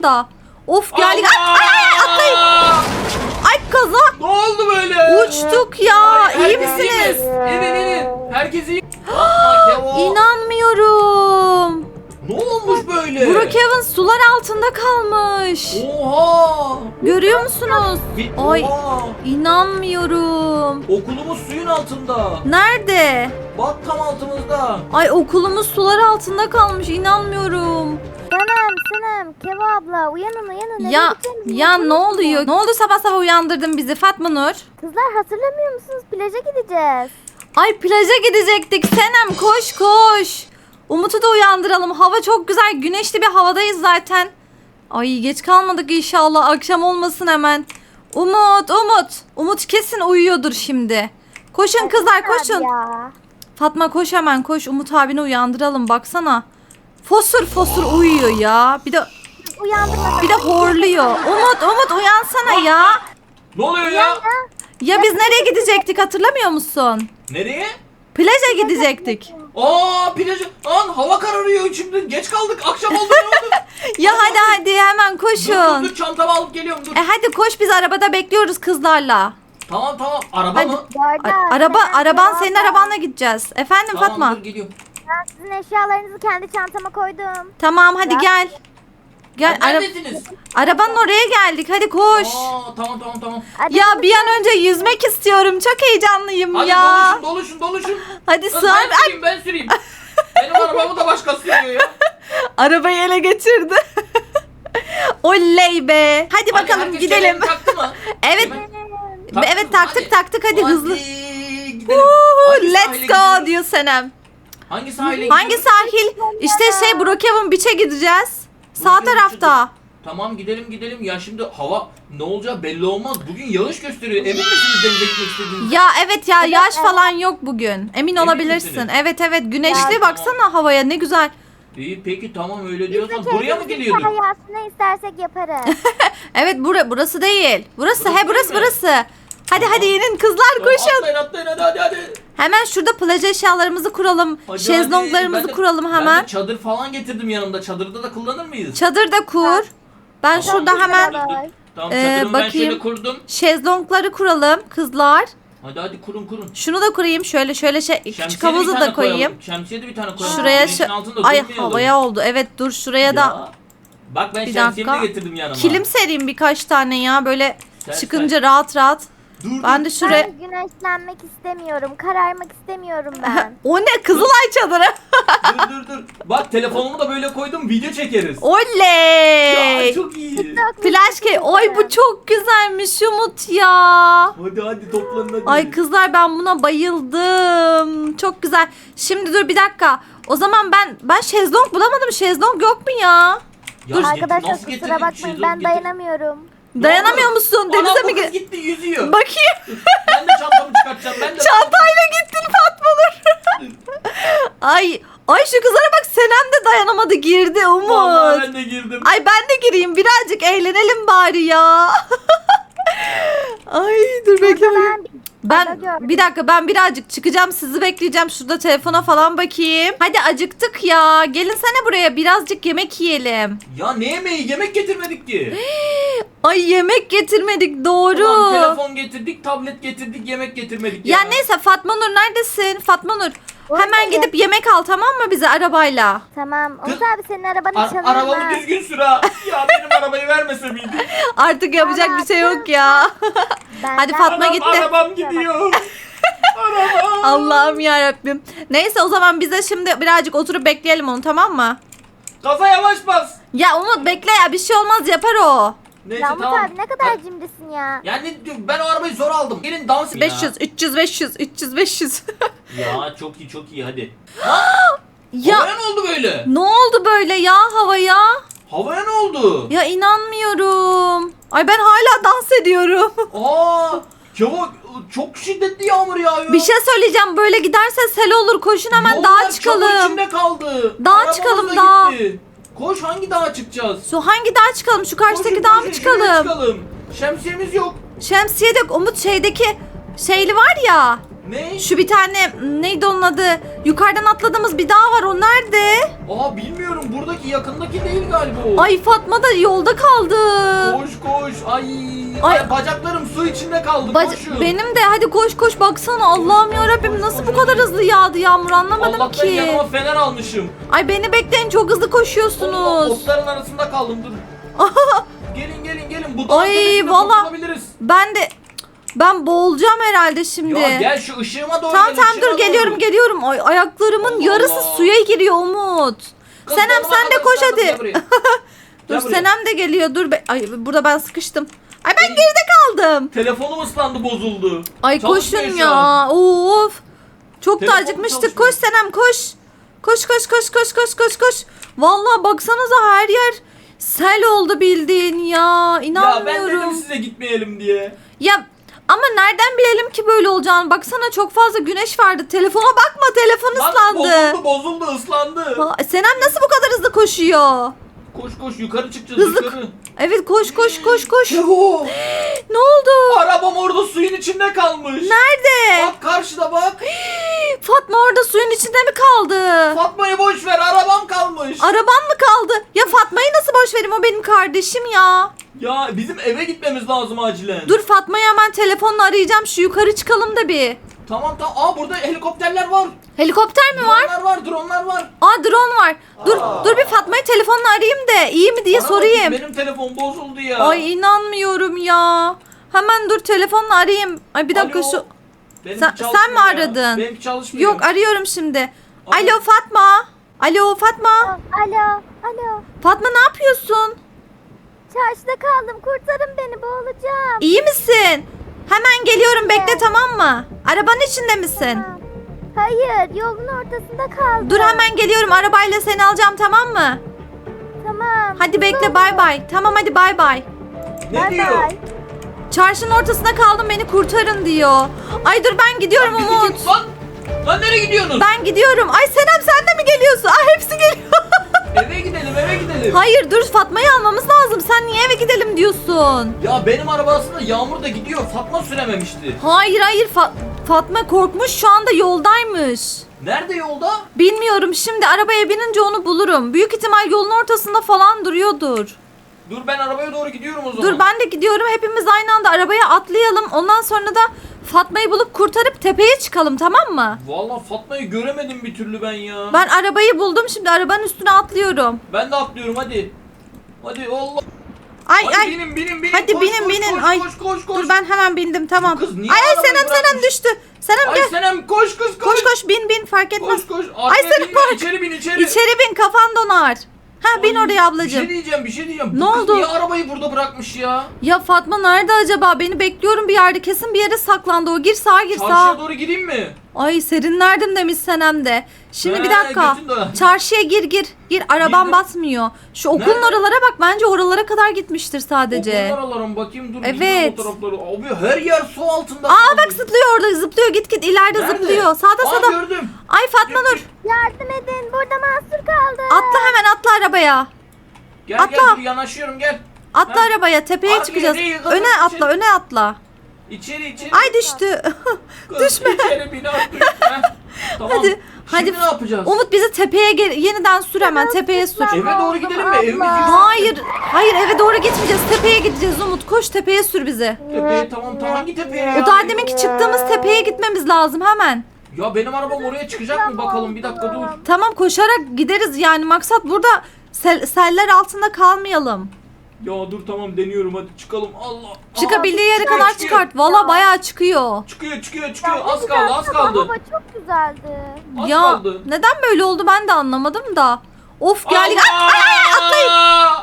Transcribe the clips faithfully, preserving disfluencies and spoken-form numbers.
da. Of geldik. Ay ay ay atlayın. Ay kaza. Ne oldu böyle? Uçtuk ya. Ay, İyi herkes misiniz? mi? İnin inin. Herkes iyi. Aa, Kevo. İnanmıyorum. Ne olmuş böyle? Brookhaven sular altında kalmış. Oha. Görüyor musunuz? Bir, Ay oha. inanmıyorum. Okulumuz suyun altında. Nerede? Bak tam altımızda. Ay okulumuz sular altında kalmış. İnanmıyorum. Senem, Senem, Kevo abla uyanın uyanın. Nereye Ya gideceğimizi ya ne unuttunuz mu? oluyor? Ne oldu sabah sabah uyandırdın bizi Fatma Nur? Kızlar hatırlamıyor musunuz? Plaja gideceğiz. Ay plaja gidecektik. Senem koş koş. Umut'u da uyandıralım. Hava çok güzel. Güneşli bir havadayız zaten. Ay geç kalmadık inşallah. Akşam olmasın hemen. Umut, Umut. Umut kesin uyuyordur şimdi. Koşun kızlar Abi koşun. Ya. Fatma koş hemen koş. Umut abini uyandıralım baksana. Fosur fosur uyuyor ya. Bir de Uyandırma. bir de horluyor. Umut, Umut uyansana ya. Ne oluyor ya? Ya biz nereye gidecektik hatırlamıyor musun? Nereye? Plaja gidecektik. Aa plajı. An hava kararıyor şimdi. Geç kaldık. Akşam oldu ne oldu? Ya hadi hadi hemen Dur, dur koşun. dur çantamı alıp geliyorum dur. E hadi koş biz arabada bekliyoruz kızlarla. Tamam tamam. Araba Hadi. mı? Bu arada A- araba Senem, araban Kevo senin abla, arabanla gideceğiz. Efendim Tamam Fatma. dur geliyorum. Ben sizin eşyalarınızı kendi çantama koydum. Tamam hadi Ya. gel. Gel Hadi, ara- neredesiniz? arabanın oraya geldik. Hadi koş. Aa tamam tamam tamam. Hadi Ya bir an önce yüzmek istiyorum. Çok heyecanlıyım Hadi ya. doluşun doluşun doluşun. Hadi Kız, sığar. ben Ay, süreyim ben süreyim. Benim arabamı da başkası sürüyor ya. arabayı ele geçirdi. Oley be. Hadi Hadi, bakalım herkes gidelim. kemerini taktı mı? Evet. Taktı Evet mı? taktık Hadi. taktık hadi hızlı. Hadi gidelim. Woo, Hangi let's sahile go gidiyoruz? diyor Senem. Hangi sahile Hangi gidiyoruz? sahil? İşte şey Brookhaven Beach'e gideceğiz. Sağ Brookhaven tarafta. Tamam gidelim gidelim. Ya şimdi hava ne olacağı belli olmaz. Bugün yağış gösteriyor. Emin misiniz denize gitmek istediğinizde? Ya evet ya yağış falan yok bugün. Emin olabilirsin. misiniz? Evet evet güneşli Ya, baksana havaya ne güzel. İyi peki tamam öyle Biz de diyorsan buraya mı keyfimizin geliyorduk? sahiyasını istersek yaparız. Evet bura, burası değil. Burası Burası he burası değil mi? burası. Hadi hadi inin kızlar Tamam, koşun. Atlayın atlayın hadi hadi hadi. Hemen şurada plaj eşyalarımızı kuralım. Hadi, Şezlonglarımızı hadi. Ben de- kuralım Ben hemen. de çadır falan getirdim yanımda. Çadırda da kullanır mıyız? Çadır da kur. Ben Tamam, şurada dur, hemen dur, dur. Tamam Ee, çadırımı ben şöyle bakayım. kurdum. şezlongları kuralım kızlar. Hadi hadi kurun kurun. Şunu da kurayım şöyle şöyle şey küçük Şemsiye de bir havuzu tane da koyayım. koyalım. Şemsiye de bir tane koyalım. Şuraya Güneşin şu altında ay durmayalım. havaya oldu. Evet dur şuraya da Ya. Bak ben bir şemsiyemi dakika. de getirdim yanıma. kilim sereyim birkaç tane ya böyle Ser, çıkınca rahat rahat. Dur, Ben dur. de şuraya Ben güneşlenmek istemiyorum. Kararmak istemiyorum ben. o ne Kızılay çadırı. dur dur dur. Bak telefonumu da böyle koydum video çekeriz. Oley. Ya çok iyi. Flash key. Ay bu çok güzelmiş Umut ya. Hadi hadi toplanın hadi. Ay kızlar ben buna bayıldım. Çok güzel. Şimdi dur bir dakika. O zaman ben ben şezlong bulamadım. Şezlong yok mu ya? Ya Dur. nasıl Arkadaşlar getirdin? kusura bakmayın Şezlong ben getir- dayanamıyorum. Ne Dayanamıyor oldu? musun? Anam Denize bu mi kız gir? gitti yüzüyor. Bakayım. Ben de çantamı çıkartacağım. Ben de Çantayla gittin Fatma Nur. ay ay şu kızlara bak Senem de dayanamadı girdi Umut. Vallahi ben de girdim. Ay ben de gireyim birazcık eğlenelim bari ya. Ay dur bekle bakayım. Ben Ben gördüm. bir dakika ben birazcık çıkacağım sizi bekleyeceğim şurada telefona falan bakayım. Hadi acıktık ya gelinsene buraya birazcık yemek yiyelim. Ya ne yemeği? Yemek getirmedik ki. Ay yemek getirmedik doğru. Ulan telefon getirdik, tablet getirdik, yemek getirmedik ya. Ya neyse Fatma Nur neredesin? Fatma Nur hemen Buradayım. gidip yemek al tamam mı bize arabayla? Tamam. Kız- Umut abi senin arabanı Ar- çalarım arabamı ha. düzgün sür ha. Ya benim arabayı vermese miydin? Artık yapacak bir şey yok ya. Benden- Hadi Fatma Anam, gitti. arabam gidiyor. Arabam. Allah'ım yarabbim. Neyse o zaman bize şimdi birazcık oturup bekleyelim onu tamam mı? Gaza yavaş bas. Ya Umut bekle ya bir şey olmaz yapar o. Neyse Ya Umut tamam. abi ne kadar cimrisin ya. Yani ben o arabayı zor aldım. Gelin dans edin beş yüz, üç yüz, beş yüz, üç yüz, beş yüz. Ya. Ya çok iyi çok iyi hadi. Ya Havaya ne oldu böyle? ne oldu böyle ya havaya? Havaya ne oldu? Ya inanmıyorum. Ay ben hala dans ediyorum. Aa, Kevo çok şiddetli yağmur yağıyor. Bir şey söyleyeceğim böyle giderse sel olur koşun hemen Yollar dağa çamur çıkalım. içinde kaldı. Dağa Arabamız çıkalım, da dağa. gitti. Koş hangi dağa çıkacağız? Su hangi dağa çıkalım? Şu karşıdaki Koşun, dağa mı koşun, şuraya çıkalım? çıkalım. Şemsiyemiz yok. Şemsiye de Umut şeydeki şeyli var ya. Ne? Şu bir tane neydi onun adı? Yukarıdan atladığımız bir dağ var. O nerede? Aa bilmiyorum. Buradaki yakındaki değil galiba o. Ay Fatma da yolda kaldı. Koş koş. Ay. Ay. Ay. Bacaklarım su içinde kaldı. Bac- Koşun. benim de hadi koş koş baksana. Allah'ım ya Rabbim nasıl bu kadar hızlı yağdı yağmur anlamadım Allah'tan ki. yanıma fener almışım. Ay beni bekleyin çok hızlı Allah, koşuyorsunuz. otların arasında kaldım dur. gelin gelin gelin. Bu Ay, dağın tepesinde valla- kurtulabiliriz. Ben de ben boğulacağım herhalde şimdi. Ya gel şu ışığıma doğru Tamam gel. tamam ışığıma dur geliyorum doğru. geliyorum. Ay ayaklarımın Allah yarısı Allah. suya giriyor Umut. Kız, Senem donuma sen de kadar koş ıslandım, hadi. gel buraya. Dur Gel buraya. Senem de geliyor. Dur be. Ay burada ben sıkıştım. Ay ben Ay. geride kaldım. Telefonum ıslandı bozuldu. Ay Çalışmıyor koşun şu an. ya. Of. Çok da Telefonum acıkmıştık. çalışmıyor. Koş Senem koş. Koş koş koş koş koş koş koş. Vallahi baksanıza her yer sel oldu bildiğin ya. Ya ben İnanmıyorum. dedim size gitmeyelim diye. Ya ama nereden bilelim ki böyle olacağını? Baksana çok fazla güneş vardı. Telefona bakma, telefon Bak ıslandı. bozuldu bozuldu ıslandı. Ha, Senem nasıl bu kadar hızlı koşuyor? Koş koş yukarı çıkacağız Hızlı- yukarı. Evet koş koş koş koş. Yahu. Ne oldu? Arabam orada suyun içinde kalmış. Nerede? Bak karşıda bak. Fatma orada suyun içinde mi kaldı? Fatma'yı boş ver arabam kalmış. Araban mı kaldı? Ya Fatma'yı nasıl boş vereyim? O benim kardeşim ya. Ya bizim eve gitmemiz lazım acilen. Dur Fatma'yı hemen telefonla arayacağım. Şu yukarı çıkalım da bir. Tamam tamam. Aa burada helikopterler var. Helikopter mi var? Dronlar var dronlar var. Aa drone var. Dur Aa. dur bir Fatma'yı telefonla arayayım da iyi mi diye Bana sorayım. bakayım, benim telefon bozuldu ya. Ay inanmıyorum ya. Hemen dur telefonla arayayım. Ay bir dakika Alo. şu. Benimki Sen- çalışmıyor sen mi ya. aradın? Benimki çalışmıyor. Yok arıyorum şimdi. Alo. Alo Fatma. Alo Fatma. Alo, alo. Fatma ne yapıyorsun? Çarşıda kaldım. Kurtarın beni, boğulacağım. İyi misin? Hemen geliyorum bekle tamam mı? Arabanın içinde misin? Tamam. Hayır, yolun ortasında kaldım. Dur hemen geliyorum arabayla seni alacağım tamam mı? Tamam. Hadi bekle bay bay. Tamam hadi bay bay. Ne Bay diyor? bay. Çarşının ortasında kaldım beni kurtarın diyor. Ay dur ben gidiyorum Bizi Umut. kim- Lan, lan nereye gidiyorsunuz? Ben gidiyorum. Ay Senem sen de mi geliyorsun? Ay hepsi geliyor. Eve gidelim eve gidelim. Hayır dur Fatma'yı almamız lazım. Sen niye eve gidelim diyorsun? Ya benim araba aslında Yağmur da gidiyor. Fatma sürememişti. Hayır hayır Fa- Fatma korkmuş şu anda yoldaymış. Nerede yolda? Bilmiyorum şimdi arabaya binince onu bulurum. Büyük ihtimal yolun ortasında falan duruyordur. Dur ben arabaya doğru gidiyorum o zaman. Dur ben de gidiyorum hepimiz aynı anda arabaya atlayalım. Ondan sonra da Fatma'yı bulup kurtarıp tepeye çıkalım tamam mı? Vallahi Fatma'yı göremedim bir türlü ben ya. Ben arabayı buldum şimdi arabanın üstüne atlıyorum. Ben de atlıyorum hadi. Hadi Allah. Ay Hadi ay. binin binin binin. Hadi koş, binin, koş, binin. Koş, Ay, koş koş koş. Dur ben hemen bindim tamam. Bu kız niye Ay ay arabayı Senem Senem bırakmış? düştü. Senem Ay gel. Senem koş koş koş. Koş koş bin bin fark etmez. Koş koş. Ay Arkaya Senem binme, bak. İçeri bin içeri. İçeri bin kafan donar. Ha bin Ay, oraya Bir şey ablacığım. diyeceğim bir şey diyeceğim. Ne Bu kız oldu? niye arabayı burada bırakmış ya? Ya Fatma nerede acaba? Beni bekliyorum bir yerde. Kesin bir yere saklandı o. Gir sağa gir Çarşıya sağa. doğru gireyim mi? Ay serinlerdim demiş Senem de. Şimdi bir He, dakika. götün dolar. Çarşıya gir gir. Gir arabam Girdim. basmıyor. Şu okulun Nerede? oralara bak. Bence oralara kadar gitmiştir sadece. Okullar alalım bakayım dur. Evet. gidiyorum o tarafları. Abi her yer su altında. Aa kalmış. bak zıplıyor orada zıplıyor. Git git ileride Nerede? zıplıyor. Sağda Aa, sağda. gördüm. Ay Fatma Gel, Nur. Yardım edin, burada mahsur kaldım. Atla hemen atla arabaya. Gel Atla. gel dur yanaşıyorum gel. Atla Ha? arabaya. Tepeye Arkaya çıkacağız. değil, kızım, Öne atla içeri. öne atla. İçeri içeri. Ay düştü. Kız, düşme. İçeri bin at düşme. Tamam. Hadi, Şimdi hadi. ne yapacağız? Umut bizi tepeye gel yeniden sür hemen tepeye sür. Eve doğru gidelim mi? Evimiz Allah. yüksek. Hayır, hayır eve doğru gitmeyeceğiz. Tepeye gideceğiz Umut. Koş tepeye sür bizi. Tepeye tamam tamam hangi tepeye ya? O daha deminki çıktığımız tepeye gitmemiz lazım hemen. Ya benim arabam oraya çıkacak mı bakalım bir dakika dur. Tamam koşarak gideriz yani. Maksat burada sel- seller altında kalmayalım. Ya dur tamam deniyorum hadi çıkalım Allah. Çıkabildiği yere çıkıyor, kadar çıkıyor. çıkart. Valla bayağı çıkıyor. Çıkıyor çıkıyor çıkıyor Ne az güzel kaldı az kız, kaldı. Hava çok güzeldi. Az Ya kaldı. neden böyle oldu ben de anlamadım da. Of geldik. Ay, Allah! ay, ay, atlayın.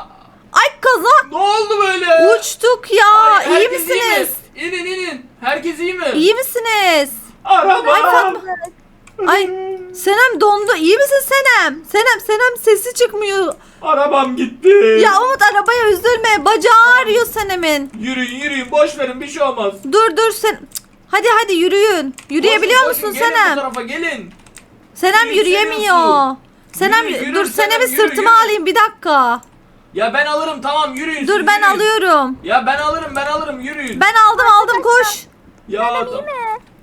Ay kaza. Ne oldu böyle? Uçtuk ya. Ay, iyi herkes misiniz? mi? İnin inin. Herkes iyi mi? İyi misiniz? Arabam. Ay Fatma. Ay Senem dondu. İyi misin Senem? Senem Senem sesi çıkmıyor. Arabam gitti. Ya Umut arabaya üzülme. Bacağı ağrıyor Senem'in. Yürüyün yürüyün boş verin bir şey olmaz. Dur dur sen. Cık, hadi hadi yürüyün. Yürüyebiliyor Koşun, musun koşun, gelin bu Senem? tarafa gelin. Senem Yürü, yürüyemiyor. seviyorsun. Senem Yürü, yürü, dur Senem, Senem'i yürü, sırtıma yürü. alayım bir dakika. Ya ben alırım tamam yürüyün. Dur siz ben yürüyün. alıyorum. Ya ben alırım ben alırım yürüyün. Ben aldım aldım koş. Ya tamam.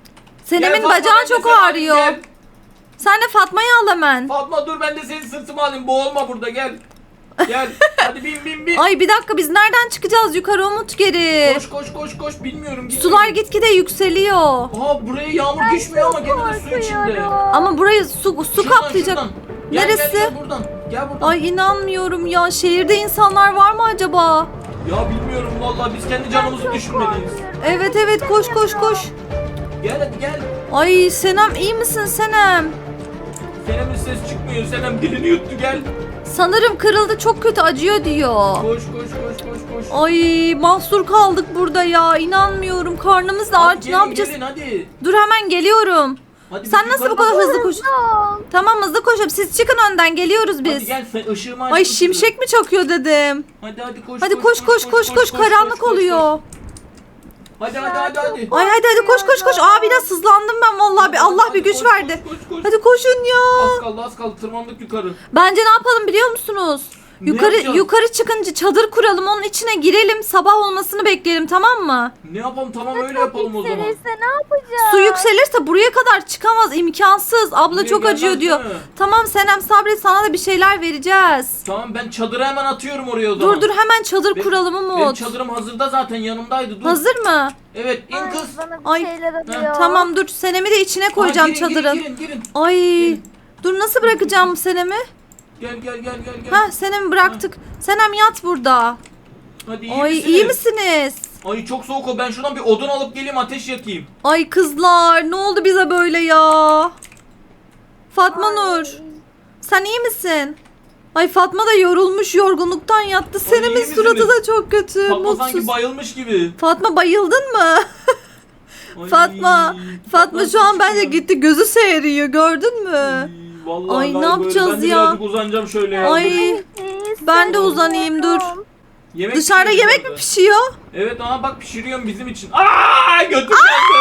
Senem'in Fatma, bacağı ben de çok seni alayım, ağrıyor. gel. Sen de Fatma'yı al hemen. Fatma dur ben de senin sırtıma alayım. Boğulma burada gel. Gel. Hadi bin bin bin. Ay bir dakika biz nereden çıkacağız yukarı Umut geri? Koş koş koş koş bilmiyorum. Gidelim. Sular gitgide yükseliyor. Aa buraya yağmur düşmüyor ama gene de su içinde. Korkuyorum. Ama burayı su, su Şuradan, kaplayacak. şuradan. Gel, Neresi? Gel, gel buradan. Gel buradan. Ay inanmıyorum ya. Şehirde insanlar var mı acaba? Ya bilmiyorum vallahi biz kendi canımızı Çok düşünmeliyiz. korkuyorum. Evet evet koş koş koş. Gel hadi gel. Ay Senem iyi misin Senem? Senem'in ses çıkmıyor. Senem dilini yuttu gel. Sanırım kırıldı çok kötü acıyor diyor. Koş koş koş koş koş. Ay mahsur kaldık burada ya. İnanmıyorum. Karnımız da Hadi aç. Ne gelin, yapacağız? Gelin hadi. Dur hemen geliyorum. Hadi Sen biz nasıl bu yukarı kadar bak- hızlı koş? Ol. Tamam hızlı koşup siz çıkın önden geliyoruz Hadi biz. gel sen ışığımı aç. Ay dur. şimşek mi çakıyor dedim. Hadi hadi koş. Hadi koş koş koş koş karanlık koş, oluyor. koş. Hadi hadi hadi hadi. Ay hadi hadi koş koş koş. Aa biraz hızlandım ben vallahi bir Allah bir güç Koş, verdi. Koş, koş, koş. Hadi koşun ya. Az kaldı az kaldı tırmandık yukarı. Bence ne yapalım biliyor musunuz? Ne Yukarı yapacağız? yukarı çıkınca çadır kuralım, onun içine girelim, sabah olmasını bekleyelim, tamam mı? Ne yapalım tamam öyle yapalım o zaman. Yükselirse ne yapacağız? Su yükselirse buraya kadar çıkamaz, imkansız. Abla Buraya çok acıyor gelmez diyor. değil mi? Tamam Senem sabret, sana da bir şeyler vereceğiz. Tamam ben çadırı hemen atıyorum oraya o zaman. Dur dur hemen çadır Benim- kuralım Benim Umut. çadırım hazırda zaten yanımdaydı dur. Hazır mı? Evet in Ay, kız. bana bir Ay. şeyler alıyor. Tamam dur Senem'i de içine koyacağım Aa, girin, çadırın. Girin girin girin. Ay Girin. dur nasıl bırakacağım Senem'i? Gel gel gel gel gel. Hah Senem'i bıraktık. Senem yat burada. Hadi iyi Ay misiniz? iyi misiniz? Ay çok soğuk o ben şuradan bir odun alıp geleyim ateş yakayım. Ay kızlar ne oldu bize böyle ya? Fatma Ay. Nur sen iyi misin? Ay Fatma da yorulmuş yorgunluktan yattı. iyi Senem'in misiniz? suratı da çok kötü. Fatma mutsuz. sanki bayılmış gibi. Fatma bayıldın mı? Ay, Fatma. Fatma şu an bence sıçıyor. gitti gözü seyiriyor gördün mü? Ay, Vallahi Ay, ne galiba öyle. yapacağız Ben de ya? birazcık uzanacağım şöyle ya. Ay Siz ben de sevin uzanayım dur. diyorum. Yemek Dışarıda pişiriyorum yemek mi orada. pişiyor? Evet aha bak pişiriyorum bizim için. Aa götüm yandı.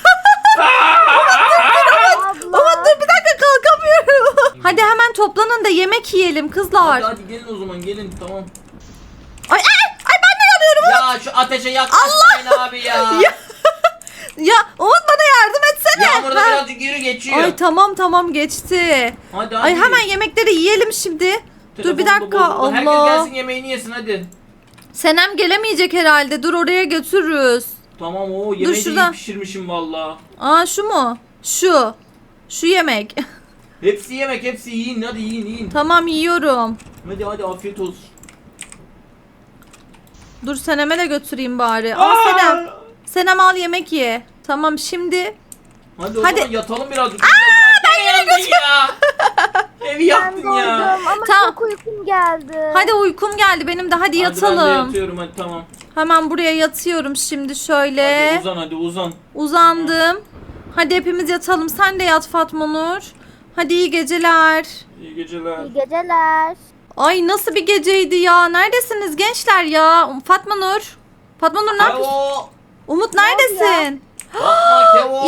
Abla. Ama dur bir dakika kalkamıyorum. Hadi hemen toplanın da yemek yiyelim kızlar. Hadi hadi gelin o zaman gelin tamam. Ay ay ay ben de yanıyorum. Ya şu ateşe yaklaşmayın abi ya. Ya, ya Umut bana yardım etsene. Yağmurda Ha. birazcık yürü geçiyor. Ay tamam tamam geçti. Hadi hadi. Ay hemen yemekleri yiyelim şimdi. Dur bir Telefonum da dakika bozuldu. Herkes Allah. gelsin yemeğini yesin hadi. Senem gelemeyecek herhalde. Dur oraya götürürüz. Tamam o yemeği de iyi şuradan. pişirmişim valla. Aa şu mu? Şu. Şu yemek. Hepsi yemek hepsi yiyin hadi yiyin yiyin. Tamam yiyorum. Hadi hadi afiyet olsun. Dur Senem'e de götüreyim bari. Al Aa! Senem. Senem al yemek ye. Tamam şimdi. Hadi o Hadi. zaman yatalım birazcık. Aa ben yine ya. Evi Ben yaktın ya. doydum ama Tamam. çok uykum geldi. Hadi uykum geldi benim de. Hadi Hadi ben de yatalım. yatıyorum hadi tamam. Hemen buraya yatıyorum şimdi şöyle. Hadi uzan hadi uzan. Uzandım. Hadi hepimiz yatalım. Sen de yat Fatma Nur. Hadi iyi geceler. İyi geceler. İyi geceler. Ay nasıl bir geceydi ya. Neredesiniz gençler ya? Fatma Nur. Fatma Nur ne yapıyorsun? Kevo. Umut Ne oldu neredesin? Fatma Kevo.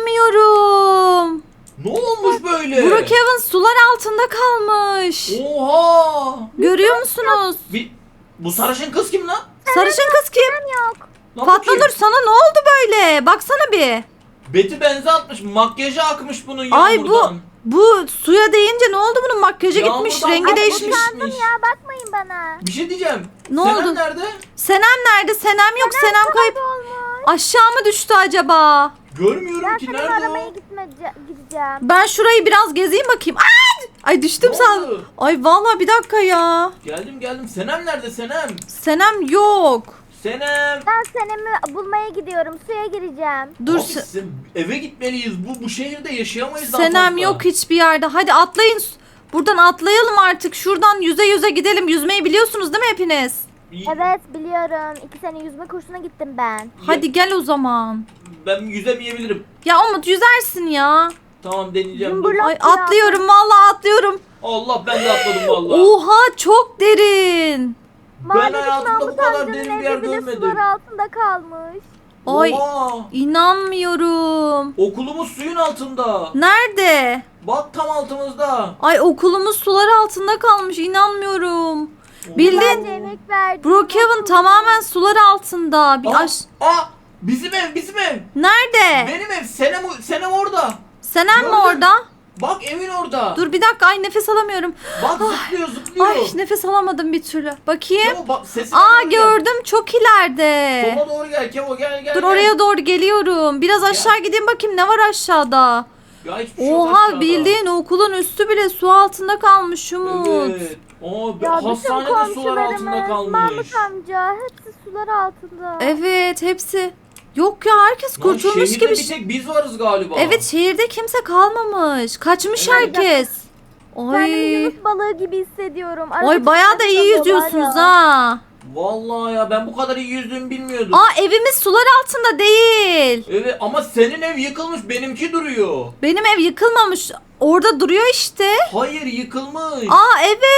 İnanmıyorum. Ne olmuş böyle? Brookhaven sular altında kalmış. Oha. Görüyor musunuz? Bir, bu sarışın kız kim lan? Sarışın kız kim? Yok. Lan bu Fatma kim? Nur sana ne oldu böyle? Baksana bir. Beti benze atmış. Makyajı akmış bunun Ay bu yağmurdan. bu suya değince ne oldu bunun makyajı gitmiş, Yağmurdan rengi akmış. değişmiş. Utandım ya bakmayın bana. Bir şey diyeceğim. Ne Senem oldu? nerede? Senem nerede? Senem yok. Senem kayıp. Olmuş. Aşağı mı düştü acaba? Görmüyorum Ben ki seni nerede aramaya o? gitme, gideceğim. Ben şurayı biraz gezeyim bakayım. Ay! Ay düştüm Ne sandım. oldu? Ay vallahi bir dakika ya. Geldim geldim. Senem nerede Senem? Senem yok. Senem. Ben senemi bulmaya gidiyorum. Suya gireceğim. Dur. Abi Se- sen- eve gitmeliyiz. Bu bu şehirde yaşayamayız daha Senem fazla. yok hiçbir yerde. Hadi atlayın. Buradan atlayalım artık. Şuradan yüze yüze gidelim. Yüzmeyi biliyorsunuz değil mi hepiniz? İyi. Evet biliyorum. İki sene yüzme kursuna gittim ben. Hadi gel o zaman. Ben yüzemeyebilirim. Ya Umut yüzersin ya. Tamam deneyeceğim. Dur. Cumburlop Ay ya. atlıyorum vallahi atlıyorum. Allah ben de atladım vallahi. Oha çok derin. Mahalledeki hayatımda bu Mahmut kadar amcanın derin bir evi yer bile görmedim. sular altında kalmış. Ay Oha. inanmıyorum. Okulumuz suyun altında. Nerede? Bak tam altımızda. Ay okulumuz sular altında kalmış inanmıyorum. Bildin. Bence emek verdim. Brookhaven tamamen sular altında. Bir Aa, aş aa, Bizim ev, bizim ev. Nerede? Benim ev. Senem, Senem orada. Senem mi Gördüm. orada? Bak evin orada. Dur bir dakika, ay nefes alamıyorum. Bak zıplıyor zıplıyor. Ay nefes alamadım bir türlü. Bakayım. Kevo bak sesine Aa doğru gel. gördüm, çok ileride. Sola doğru gel Kevo, gel gel. Dur gel. oraya doğru geliyorum. Biraz aşağı gideyim bakayım ne var aşağıda. Ya hiçbir şey yok Oha aşağıda. bildiğin okulun üstü bile su altında kalmış Umut. Evet. Aa, bir Ya bütün hastane de sular altında komşularımız, kalmış. Mahmut amca hepsi sular altında. Evet hepsi. Yok ya, herkes Lan kurtulmuş şehirde gibi. bir tek biz varız galiba. Evet şehirde kimse kalmamış. Kaçmış Evet. herkes. Kendimi Ay. Yunus balığı gibi hissediyorum. Arada Ay bayağı da iyi çıkartıyor yüzüyorsunuz var ya. ha. Vallahi ya ben bu kadar iyi yüzdüğümü bilmiyordum. Aa evimiz sular altında değil. Evet ama senin ev yıkılmış, benimki duruyor. Benim ev yıkılmamış. Orada duruyor işte. Hayır yıkılmış. Aa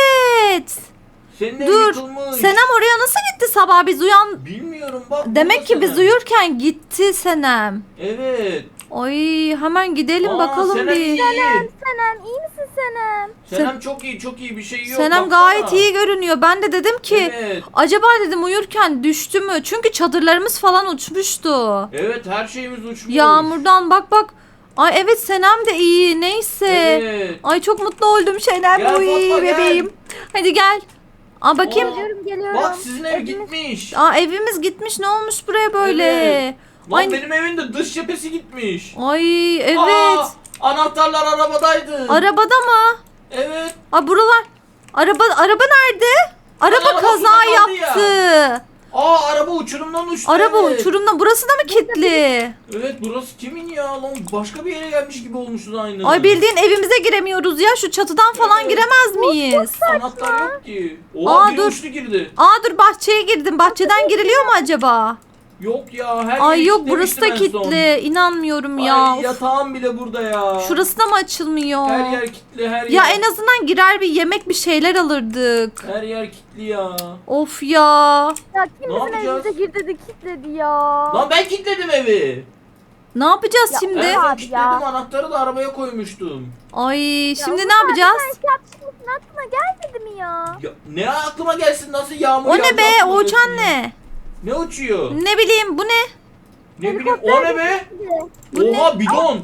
evet. Senin ev Dur. yıkılmış. Senem oraya nasıl gitti sabah biz uyan... Bilmiyorum bak. Demek burada ki biz Senem. uyurken gitti Senem. Evet. Ay hemen gidelim Aa, bakalım Senem bir. iyi. Senem iyi misin Senem? Senem çok iyi çok iyi bir şey yok. Senem baksana. gayet iyi görünüyor. Ben de dedim ki Evet. acaba dedim uyurken düştü mü? Çünkü çadırlarımız falan uçmuştu. Evet her şeyimiz uçmuş. Yağmurdan bak bak. Ay evet Senem de iyi. Neyse. Evet. Ay çok mutlu oldum Senem. Gel Uy Fatma, gel. bebeğim. Hadi gel. Aa bakayım. Aa, Geliyorum geliyorum. Bak sizin ev Evimiz- gitmiş. Aa evimiz gitmiş. Ne olmuş buraya böyle? Evet. Lan Ay, benim evin de dış cephesi gitmiş. ay evet. Aa, anahtarlar arabadaydı. Arabada mı? Evet. Aa buralar. Araba araba nerede? Araba araba kaza suda kaldı yaptı. Aa araba uçurumdan uçtu. Araba evet. uçurumda. Burası da mı kilitli? Evet burası kimin ya lan? Başka bir yere gelmiş gibi olmuşuz aynı. Ay bildiğin evimize giremiyoruz ya. Şu çatıdan falan Evet. giremez miyiz? Anahtar yok ki. Oha Aa, biri dur. uçtu girdi. Aa dur bahçeye girdim. Bahçeden giriliyor mu acaba? Yok ya her Ay yeri yok burası da kilitlemiştim en son. kilitli. İnanmıyorum ya. Ay Of. yatağım bile burada ya. Şurası da mı açılmıyor? Her yer kilitli her Ya yer. en azından girer bir yemek bir şeyler alırdık. Her yer kilitli ya. Of ya. Ya kim Ne bizim yapacağız? evimize girdi de kilitledi ya. Lan ben kilitledim evi. Ne yapacağız Ya, şimdi? En evet. son Abi kilitledim ya. anahtarı da arabaya koymuştum. Ay şimdi Ya ne yapacağız? Sen şey yapmışsın aklına gelmedi mi ya? Ya, ne aklıma gelsin nasıl yağmur O ne yağacak be? aklıma O gelsin uçan ya. ne? Ne uçuyor? Ne bileyim bu ne? Ne bileyim o ne be? Bu ne? Oha bidon.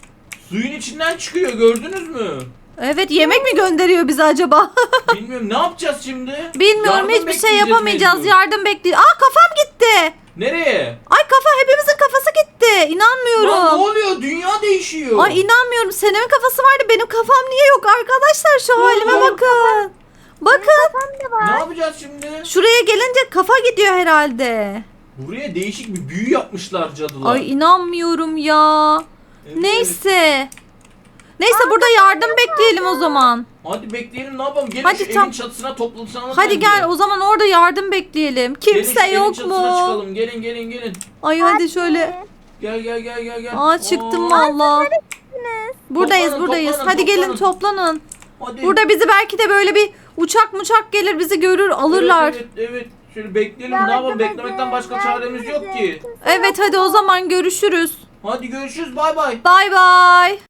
Suyun içinden çıkıyor gördünüz mü? Evet yemek mi gönderiyor bize acaba? Bilmiyorum ne yapacağız şimdi? Bilmiyorum Yardım hiçbir şey bekleyeceğiz yapamayacağız. mecbur. Yardım bekliyor. Aa kafam gitti. Nereye? Ay kafa hepimizin kafası gitti. Lan ne İnanmıyorum. oluyor? Dünya değişiyor. Ay inanmıyorum. Senem'in kafası vardı. Benim kafam niye yok arkadaşlar? Şu halime Benim bakın. Bakın. Kafam da Ne var. yapacağız şimdi? Şuraya gelince kafa gidiyor herhalde. Buraya değişik bir büyü yapmışlar cadılar. Ay inanmıyorum ya. Evet. Neyse. Neyse burada yardım bekleyelim o zaman. Hadi bekleyelim ne yapalım? Gelin Hadi şu tam- evin çatısına toplanalım. Hadi bence. gel o zaman orada yardım bekleyelim. Gelin şu Kimse evin yok çatısına mu? çıkalım. Gelin gelin gelin. Ay hadi şöyle. Gel gel gel gel gel. Aa çıktım Oo, valla. Buradayız Toplanın, buradayız. toplanın, Hadi gelin toplanın. toplanın. Hadi. Burada bizi belki de böyle bir uçak muçak gelir bizi görür alırlar. Evet evet, evet. Şöyle bekleyelim. Yardım ne yapalım? edin, Beklemekten başka yardım çaremiz yok edin. ki. Kimse Evet hadi o zaman görüşürüz. Hadi görüşürüz. Bay bay. Bay bay.